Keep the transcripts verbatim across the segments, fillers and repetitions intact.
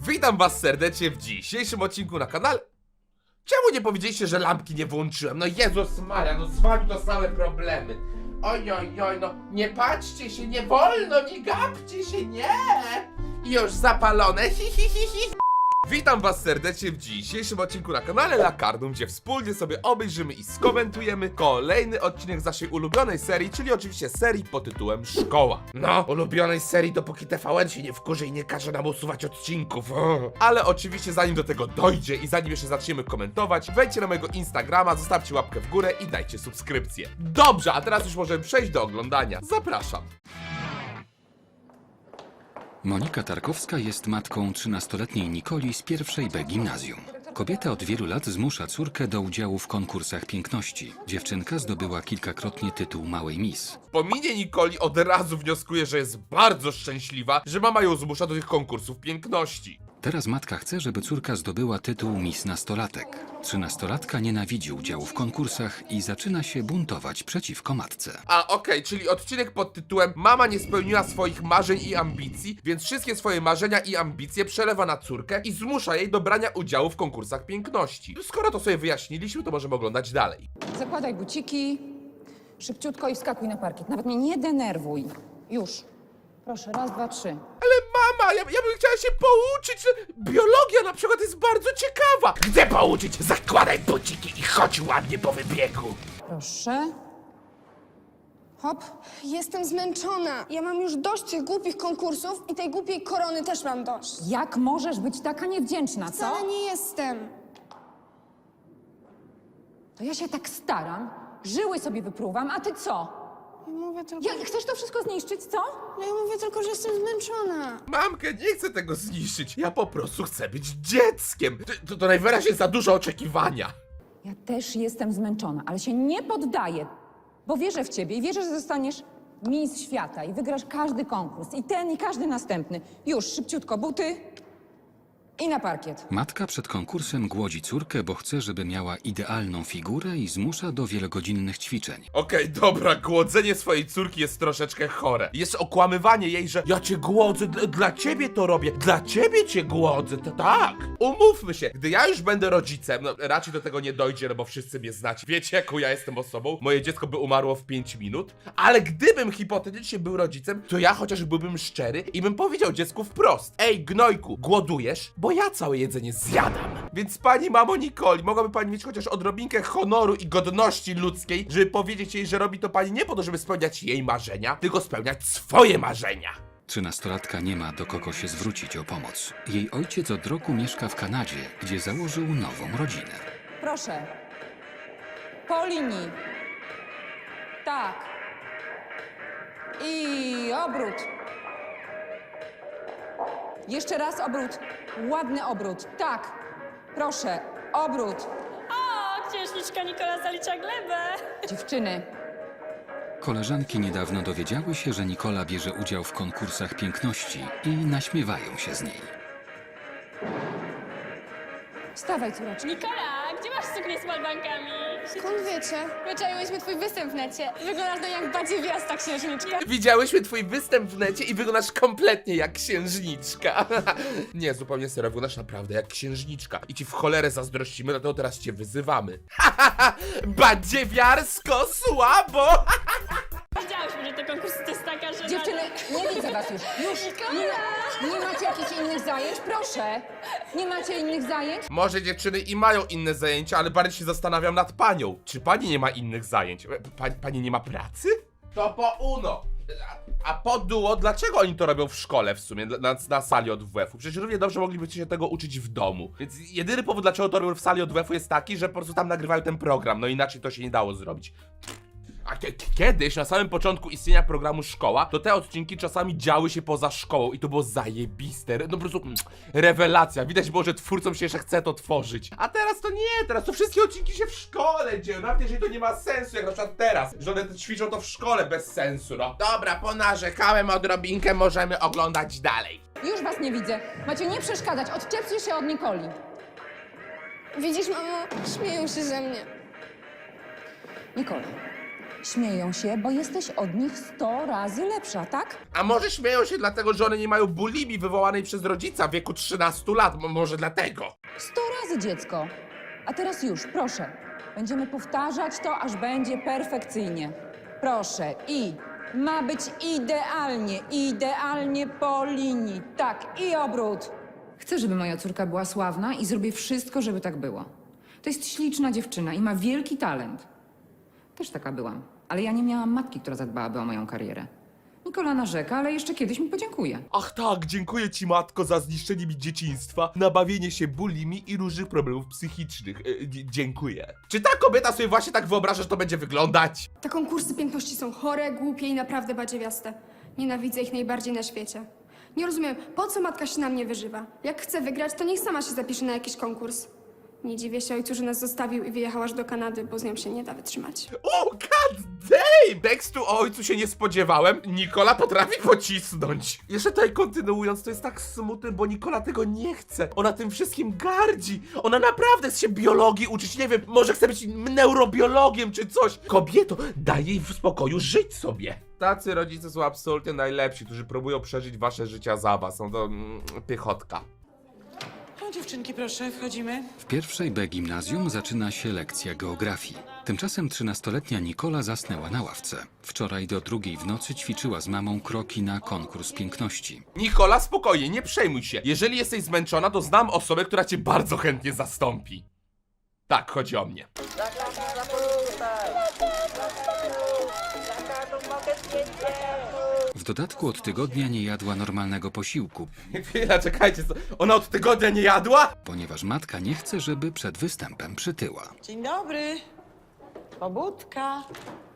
Witam was serdecznie w dzisiejszym odcinku na kanale. Czemu nie powiedzieliście, że lampki nie włączyłem? No Jezus Maria, no z wami to same problemy. Oj, oj, oj, no nie patrzcie się, nie wolno, nie gapcie się, nie! Już zapalone, hi, hi, hi, hi. Witam was serdecznie w dzisiejszym odcinku na kanale Lakardum, gdzie wspólnie sobie obejrzymy i skomentujemy kolejny odcinek z naszej ulubionej serii, czyli oczywiście serii pod tytułem Szkoła. No, ulubionej serii, dopóki T V N się nie wkurzy i nie każe nam usuwać odcinków. O. Ale oczywiście zanim do tego dojdzie i zanim jeszcze zaczniemy komentować, wejdźcie na mojego Instagrama, zostawcie łapkę w górę i dajcie subskrypcję. Dobrze, a teraz już możemy przejść do oglądania. Zapraszam. Monika Tarkowska jest matką trzynastoletniej Nikoli z pierwszej B gimnazjum. Kobieta od wielu lat zmusza córkę do udziału w konkursach piękności. Dziewczynka zdobyła kilkakrotnie tytuł Małej Miss. Po minie Nikoli od razu wnioskuję, że jest bardzo szczęśliwa, że mama ją zmusza do tych konkursów piękności. Teraz matka chce, żeby córka zdobyła tytuł Miss Nastolatek. Trzynastolatka nienawidzi udziału w konkursach i zaczyna się buntować przeciwko matce. A okej, czyli odcinek pod tytułem Mama nie spełniła swoich marzeń i ambicji, więc wszystkie swoje marzenia i ambicje przelewa na córkę i zmusza jej do brania udziału w konkursach piękności. Skoro to sobie wyjaśniliśmy, to możemy oglądać dalej. Zakładaj buciki, szybciutko i wskakuj na parkiet. Nawet mnie nie denerwuj. Już. Proszę, raz, dwa, trzy. Ale mama, ja, ja bym chciała się pouczyć. Biologia na przykład jest bardzo ciekawa. Chcę pouczyć, zakładaj buciki i chodź ładnie po wybiegu. Proszę. Hop. Jestem zmęczona. Ja mam już dość tych głupich konkursów i tej głupiej korony też mam dość. Jak możesz być taka niewdzięczna, co? Wcale nie jestem. To ja się tak staram, żyły sobie wypruwam, a ty co? Ja mówię tylko, Ja, chcesz to wszystko zniszczyć, co? ja mówię tylko, że jestem zmęczona. Mamkę, nie chcę tego zniszczyć. Ja po prostu chcę być dzieckiem. To, to, to najwyraźniej za dużo oczekiwania. Ja też jestem zmęczona, ale się nie poddaję, bo wierzę w ciebie i wierzę, że zostaniesz Miss Świata i wygrasz każdy konkurs, i ten, i każdy następny. Już, szybciutko, buty i na parkiet. Matka przed konkursem głodzi córkę, bo chce, żeby miała idealną figurę i zmusza do wielogodzinnych ćwiczeń. Okej, dobra, głodzenie swojej córki jest troszeczkę chore. Jest okłamywanie jej, że ja cię głodzę, d- dla ciebie to robię, dla ciebie cię głodzę, to tak. Umówmy się, gdy ja już będę rodzicem, no raczej do tego nie dojdzie, no bo wszyscy mnie znacie. Wiecie, jaką ja jestem osobą? Moje dziecko by umarło w pięć minut, ale gdybym hipotetycznie był rodzicem, to ja chociaż byłbym szczery i bym powiedział dziecku wprost: ej, gnojku, głodujesz? Bo ja całe jedzenie zjadam. Więc pani mamo Nikoli, mogłaby pani mieć chociaż odrobinkę honoru i godności ludzkiej, żeby powiedzieć jej, że robi to pani nie po to, żeby spełniać jej marzenia, tylko spełniać swoje marzenia. Trzynastolatka nie ma do kogo się zwrócić o pomoc. Jej ojciec od roku mieszka w Kanadzie, gdzie założył nową rodzinę. Proszę. Po linii. Tak. I obrót. Jeszcze raz obrót. Ładny obrót. Tak. Proszę. Obrót. O, księżniczka Nikola zalicza glebę. Dziewczyny. Koleżanki niedawno dowiedziały się, że Nikola bierze udział w konkursach piękności i naśmiewają się z niej. Wstawaj, córeczko. Nikola, gdzie masz suknię z malbankami? Skąd wiecie? Wyczaiłyśmy twój występ w necie. Wyglądasz no jak badziewiasta księżniczka. Widziałyśmy twój występ w necie i wyglądasz kompletnie jak księżniczka. Nie, zupełnie serio, wyglądasz naprawdę jak księżniczka. I ci w cholerę zazdrościmy, dlatego teraz cię wyzywamy. Badziewiarsko słabo! Wiedziałyśmy, że te konkursy to jest taka, że... Dziewczyny, nie widzę was już. Już. Nie, ma, nie macie jakichś innych zajęć? Proszę. Nie macie innych zajęć? Może dziewczyny i mają inne zajęcia, ale bardziej się zastanawiam nad panią. Czy pani nie ma innych zajęć? Pa, pani nie ma pracy? To po uno. A, a po duo, dlaczego oni to robią w szkole w sumie, na, na sali od W F-u? Przecież równie dobrze moglibyście się tego uczyć w domu. Więc jedyny powód, dlaczego to robią w sali od W F-u jest taki, że po prostu tam nagrywają ten program, no inaczej to się nie dało zrobić. A kie- kiedyś, na samym początku istnienia programu Szkoła, to te odcinki czasami działy się poza szkołą i to było zajebiste. No po prostu mm, rewelacja. Widać było, że twórcom się jeszcze chce to tworzyć. A teraz to nie, teraz to wszystkie odcinki się w szkole dzieją. Nawet jeżeli to nie ma sensu, jak na przykład teraz, że one ćwiczą to w szkole bez sensu, no. Dobra, ponarzekałem odrobinkę, możemy oglądać dalej. Już was nie widzę. Macie nie przeszkadzać. Odczepcie się od Nikoli. Widzisz, mamo? Śmieją się ze mnie. Nikola, Śmieją się, bo jesteś od nich sto razy lepsza, tak? A może śmieją się dlatego, że one nie mają bulimii wywołanej przez rodzica w wieku trzynastu lat, Mo- może dlatego. Sto razy, dziecko. A teraz już, proszę. Będziemy powtarzać to, aż będzie perfekcyjnie. Proszę, i ma być idealnie, idealnie po linii. Tak, i obrót. Chcę, żeby moja córka była sławna i zrobię wszystko, żeby tak było. To jest śliczna dziewczyna i ma wielki talent. Też taka byłam, ale ja nie miałam matki, która zadbałaby o moją karierę. Nikola narzeka, ale jeszcze kiedyś mi podziękuje. Ach tak, dziękuję ci matko za zniszczenie mi dzieciństwa, nabawienie się bulimi i różnych problemów psychicznych. E, dzie- dziękuję. Czy ta kobieta sobie właśnie tak wyobraża, że to będzie wyglądać? Te konkursy piękności są chore, głupie i naprawdę badziewiaste. Nienawidzę ich najbardziej na świecie. Nie rozumiem, po co matka się na mnie wyżywa? Jak chce wygrać, to niech sama się zapisze na jakiś konkurs. Nie dziwię się ojcu, że nas zostawił i wyjechał aż do Kanady, bo z nią się nie da wytrzymać. O, god damn! Tekstu o ojcu się nie spodziewałem. Nikola potrafi pocisnąć. Jeszcze tutaj kontynuując, to jest tak smutne, bo Nikola tego nie chce. Ona tym wszystkim gardzi. Ona naprawdę chce się biologii uczyć. Nie wiem, może chce być neurobiologiem czy coś. Kobieto, daj jej w spokoju żyć sobie. Tacy rodzice są absolutnie najlepsi, którzy próbują przeżyć wasze życia za was. Są to mm, pychotka. O, dziewczynki, proszę, wchodzimy. W pierwszej B gimnazjum zaczyna się lekcja geografii. Tymczasem trzynastoletnia Nikola zasnęła na ławce. Wczoraj do drugiej w nocy ćwiczyła z mamą kroki na konkurs piękności. Nikola, spokojnie, nie przejmuj się. Jeżeli jesteś zmęczona, to znam osobę, która cię bardzo chętnie zastąpi. Tak, chodzi o mnie. W dodatku od tygodnia nie jadła normalnego posiłku, Chwila, czekajcie, co? Ona od tygodnia nie jadła? ponieważ matka nie chce, żeby przed występem przytyła. Dzień dobry. Pobudka.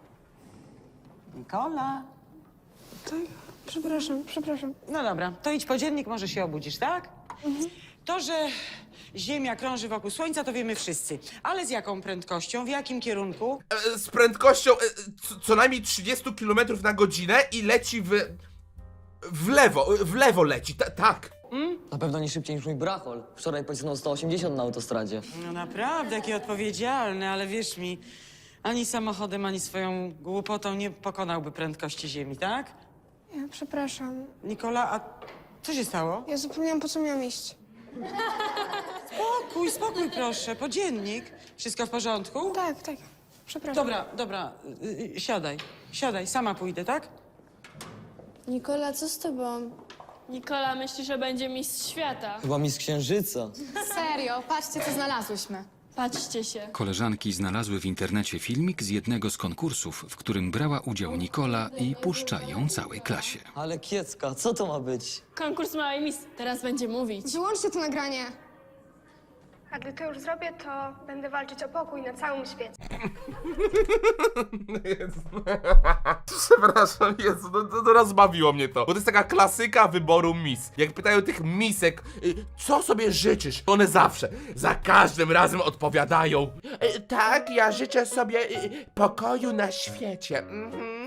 Nikola. Przepraszam, przepraszam. No dobra, to idź po dziennik, może się obudzisz, tak? To, że Ziemia krąży wokół Słońca, to wiemy wszyscy. Ale z jaką prędkością, w jakim kierunku? E, z prędkością e, co, co najmniej trzydzieści kilometrów na godzinę i leci w... w lewo, w lewo leci, ta, tak. Na pewno nie szybciej niż mój brachol. Wczoraj pocisnął sto osiemdziesiąt na autostradzie. No naprawdę, jaki odpowiedzialny, ale wierz mi, ani samochodem, ani swoją głupotą nie pokonałby prędkości Ziemi, tak? Ja przepraszam. Nikola, a co się stało? Ja zapomniałam, po co miałam iść. Spokój, spokój proszę, po dziennik. Wszystko w porządku? Tak, tak. Przepraszam. Dobra, dobra, y, y, siadaj, siadaj, sama pójdę, tak? Nikola, co z tobą? Nikola myśli, że będzie mistrz świata. Chyba mi z księżyca. Serio, patrzcie, co znalazłyśmy. Patrzcie się. Koleżanki znalazły w internecie filmik z jednego z konkursów, w którym brała udział Nikola i puszcza ją całej klasie. Ale kiecka, co to ma być? Konkurs małej mis. Teraz będzie mówić. Wyłączcie to nagranie. A gdy to już zrobię, to będę walczyć o pokój na całym świecie. Jezu. Przepraszam, Jezu, no, no, no rozbawiło mnie to. Bo to jest taka klasyka wyboru mis. Jak pytają tych misek, y, co sobie życzysz? One zawsze, za każdym razem odpowiadają. Y, tak, ja życzę sobie y, pokoju na świecie. Mhm.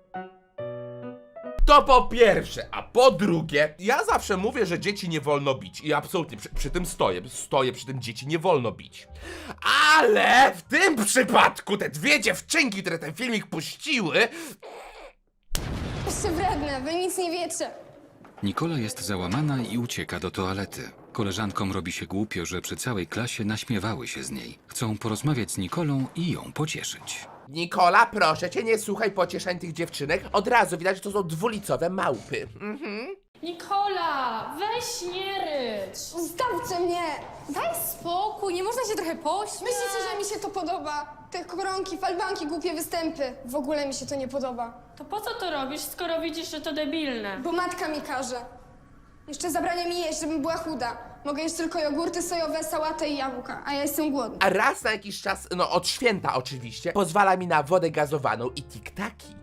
To po pierwsze, a po drugie, ja zawsze mówię, że dzieci nie wolno bić i absolutnie przy, przy tym stoję, stoję przy tym, dzieci nie wolno bić. Ale w tym przypadku te dwie dziewczynki, które ten filmik puściły, Jesteście wredne, wy nic nie wiecie. Nikola jest załamana i ucieka do toalety. Koleżankom robi się głupio, że przy całej klasie naśmiewały się z niej. Chcą porozmawiać z Nikolą i ją pocieszyć. Nikola, proszę cię, nie słuchaj pocieszań tych dziewczynek, od razu widać, że to są dwulicowe małpy. Mhm. Nikola, weź nie rycz. Zostawcie mnie! Daj spokój, nie można się trochę pośmiać. Myślicie, że mi się to podoba? Te koronki, falbanki, głupie występy. W ogóle mi się to nie podoba. To po co to robisz, skoro widzisz, że to debilne? Bo matka mi każe. Jeszcze zabrania mi jeść, żebym była chuda. Mogę jeść tylko jogurty sojowe, sałatę i jabłka, a ja jestem głodna. A raz na jakiś czas, no od święta oczywiście, pozwala mi na wodę gazowaną i tiktaki.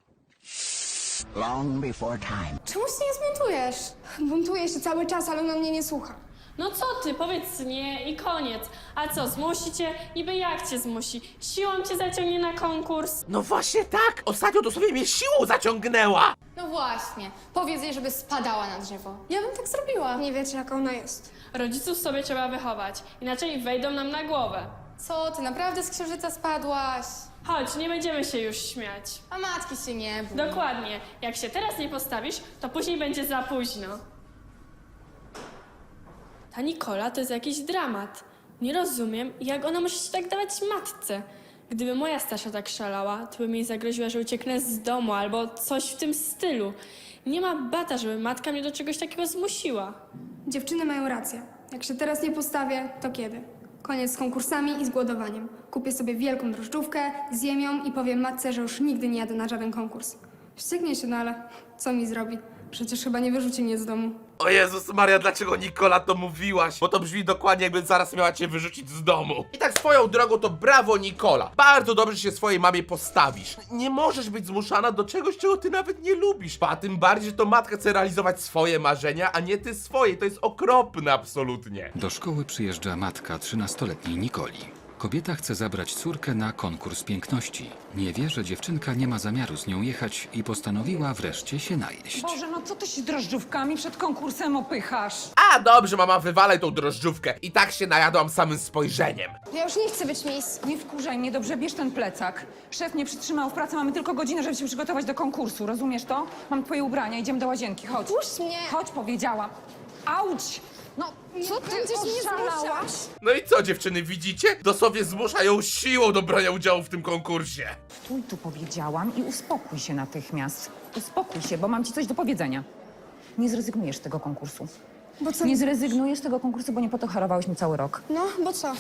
Long before time. Czemu się nie zbuntujesz? Buntuję się cały czas, ale ona mnie nie słucha. No co ty, powiedz nie i koniec. A co, zmusi cię? Niby jak cię zmusi? Siłą cię zaciągnie na konkurs? No właśnie tak, ostatnio dosłownie mnie siłą zaciągnęła. No właśnie, powiedz jej, żeby spadała na drzewo. Ja bym tak zrobiła. Nie wiecie, jaka ona jest. Rodziców sobie trzeba wychować, inaczej wejdą nam na głowę. Co, ty naprawdę z księżyca spadłaś? Chodź, nie będziemy się już śmiać. A matki się nie bój. Dokładnie. Jak się teraz nie postawisz, to później będzie za późno. Ta Nikola to jest jakiś dramat. Nie rozumiem, jak ona może się tak dawać matce. Gdyby moja Stasia tak szalała, to bym jej zagroziła, że ucieknę z domu albo coś w tym stylu. Nie ma bata, żeby matka mnie do czegoś takiego zmusiła. Dziewczyny mają rację. Jak się teraz nie postawię, to kiedy? Koniec z konkursami i z głodowaniem. Kupię sobie wielką drożdżówkę, zjem ją i powiem matce, że już nigdy nie jadę na żaden konkurs. Wścieknie się, no ale co mi zrobi? Przecież chyba nie wyrzuci mnie z domu. O Jezus Maria, dlaczego Nikola to mówiłaś? Bo to brzmi dokładnie, jakby zaraz miała cię wyrzucić z domu. I tak swoją drogą to brawo, Nikola. Bardzo dobrze się swojej mamie postawisz. Nie możesz być zmuszana do czegoś, czego ty nawet nie lubisz. A tym bardziej, że to matka chce realizować swoje marzenia, a nie ty swoje. To jest okropne absolutnie. Do szkoły przyjeżdża matka trzynastoletniej Nikoli. Kobieta chce zabrać córkę na konkurs piękności. Nie wie, że dziewczynka nie ma zamiaru z nią jechać i postanowiła wreszcie się najeść. Boże, no co ty się drożdżówkami przed konkursem opychasz? A dobrze, mama, wywalaj tą drożdżówkę. I tak się najadłam samym spojrzeniem. Ja już nie chcę być Miss. Nie wkurzaj mnie, dobrze, bierz ten plecak. Szef mnie przytrzymał w pracy, mamy tylko godzinę, żeby się przygotować do konkursu, rozumiesz to? Mam twoje ubrania, idziemy do łazienki, chodź. Puść mnie. Chodź, powiedziałam. Auć! No, Co ty będziesz mnie oszalałaś? zmuszać? No i co, dziewczyny, widzicie? Dosłownie zmusza ją siłą do brania udziału w tym konkursie. Stój tu, powiedziałam, i uspokój się natychmiast. Uspokój się, bo mam ci coś do powiedzenia. Nie zrezygnujesz z tego konkursu. Bo co? Nie zrezygnujesz z tego konkursu, bo nie po to harowałeś mi cały rok. No, bo co?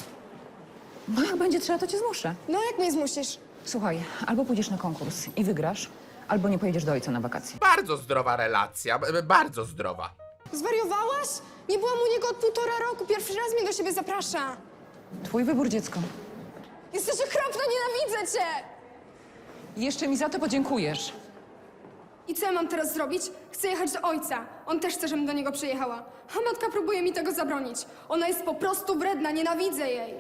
Bo jak będzie trzeba, to cię zmuszę. No, jak mnie zmusisz? Słuchaj, albo pójdziesz na konkurs i wygrasz, albo nie pojedziesz do ojca na wakacje. Bardzo zdrowa relacja, b- bardzo zdrowa. Zwariowałaś? Nie byłam u niego od półtora roku. Pierwszy raz mnie do siebie zaprasza. Twój wybór, dziecko. Jesteś okropna, nienawidzę cię! Jeszcze mi za to podziękujesz. I co ja mam teraz zrobić? Chcę jechać do ojca. On też chce, żebym do niego przyjechała. A matka próbuje mi tego zabronić. Ona jest po prostu wredna, nienawidzę jej.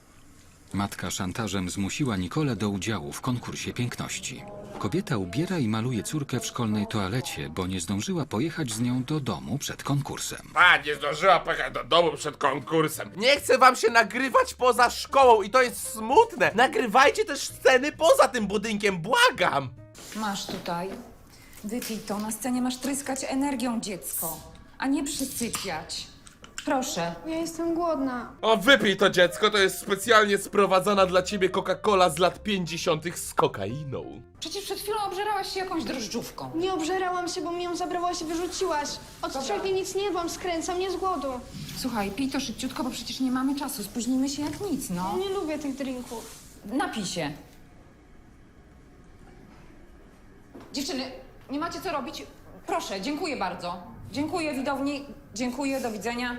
Matka szantażem zmusiła Nikolę do udziału w konkursie piękności. Kobieta ubiera i maluje córkę w szkolnej toalecie, bo nie zdążyła pojechać z nią do domu przed konkursem. A, nie zdążyła pojechać do domu przed konkursem. Nie chcę wam się nagrywać poza szkołą i to jest smutne. Nagrywajcie też sceny poza tym budynkiem, błagam. Masz tutaj. Wypij to. Na scenie masz tryskać energią, dziecko, a nie przysypiać. Proszę. Ja jestem głodna. O, wypij to, dziecko, to jest specjalnie sprowadzona dla ciebie Coca-Cola z lat pięćdziesiątych z kokainą. Przecież przed chwilą obżerałaś się jakąś drożdżówką. Nie obżerałam się, bo mi ją zabrałaś i wyrzuciłaś. Od trzech dni nic nie jadłam, skręcam mnie z głodu. Słuchaj, pij to szybciutko, bo przecież nie mamy czasu. Spóźnimy się jak nic, no. Nie lubię tych drinków. Napij się. Dziewczyny, nie macie co robić? Proszę, dziękuję bardzo. Dziękuję, widowni. Dziękuję, do widzenia.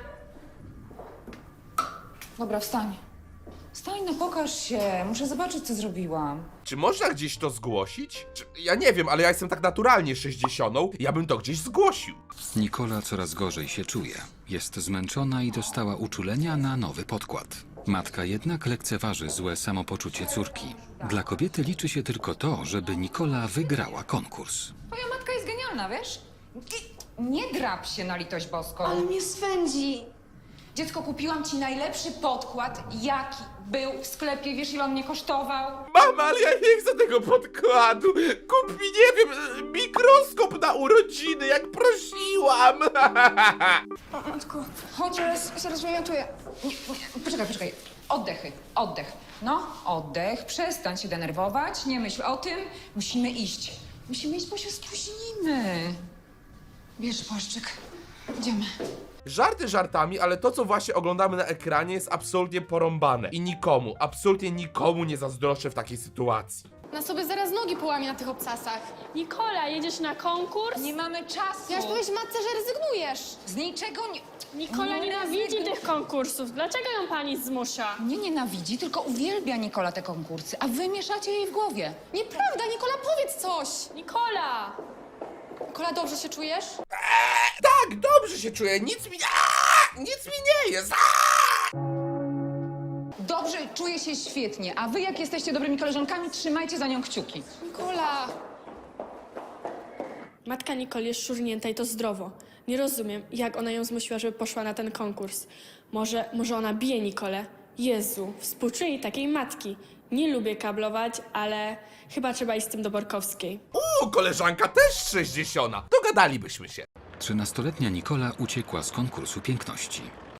Dobra, wstań. Wstań, no pokaż się. Muszę zobaczyć, co zrobiłam. Czy można gdzieś to zgłosić? Czy, ja nie wiem, ale ja jestem tak naturalnie sześćdziesiątą, ja bym to gdzieś zgłosił. Nikola coraz gorzej się czuje. Jest zmęczona i dostała uczulenia na nowy podkład. Matka jednak lekceważy złe samopoczucie córki. Dla kobiety liczy się tylko to, żeby Nikola wygrała konkurs. Twoja matka jest genialna, wiesz? I nie drap się na litość boską. Ale mnie swędzi. Dziecko, kupiłam ci najlepszy podkład, jaki był w sklepie. Wiesz, ile on mnie kosztował? Mama, ale ja nie chcę tego podkładu. Kup mi, nie wiem, mikroskop na urodziny, jak prosiłam. O, matko, Chodź, zaraz, zaraz wymiotuję. Nie, nie, poczekaj, poczekaj. Oddechy, oddech. No, oddech, przestań się denerwować, nie myśl o tym. Musimy iść. Musimy iść, bo się spóźnimy. Bierz płaszczyk. Idziemy. Żarty żartami, ale to, co właśnie oglądamy na ekranie, jest absolutnie porąbane. I nikomu, absolutnie nikomu nie zazdroszczę w takiej sytuacji. Na sobie zaraz nogi połamie na tych obcasach. Nikola, jedziesz na konkurs? Nie mamy czasu. Ja już powiedzieć matce, że rezygnujesz. Z niczego nie... Nikola Nie nienawidzi rezygnuj. tych konkursów. Dlaczego ją pani zmusza? Nie nienawidzi, tylko uwielbia Nikola te konkursy, a wy mieszacie jej w głowie. Nieprawda, Nikola, powiedz coś. Nikola! Nikola, dobrze się czujesz? Tak, dobrze się czuję, nic mi... Aaaa! Nic mi nie jest! Aaaa! Dobrze, czuję się świetnie, a wy jak jesteście dobrymi koleżankami, trzymajcie za nią kciuki. Nikola. Matka Nikoli jest szurnięta i to zdrowo. Nie rozumiem, jak ona ją zmusiła, żeby poszła na ten konkurs. Może, może ona bije Nikolę? Jezu, współczuję takiej matki. Nie lubię kablować, ale chyba trzeba iść z tym do Borkowskiej. Uuu, koleżanka też sześćdziesiąta. Dogadalibyśmy się. Trzynastoletnia Nikola uciekła z konkursu piękności.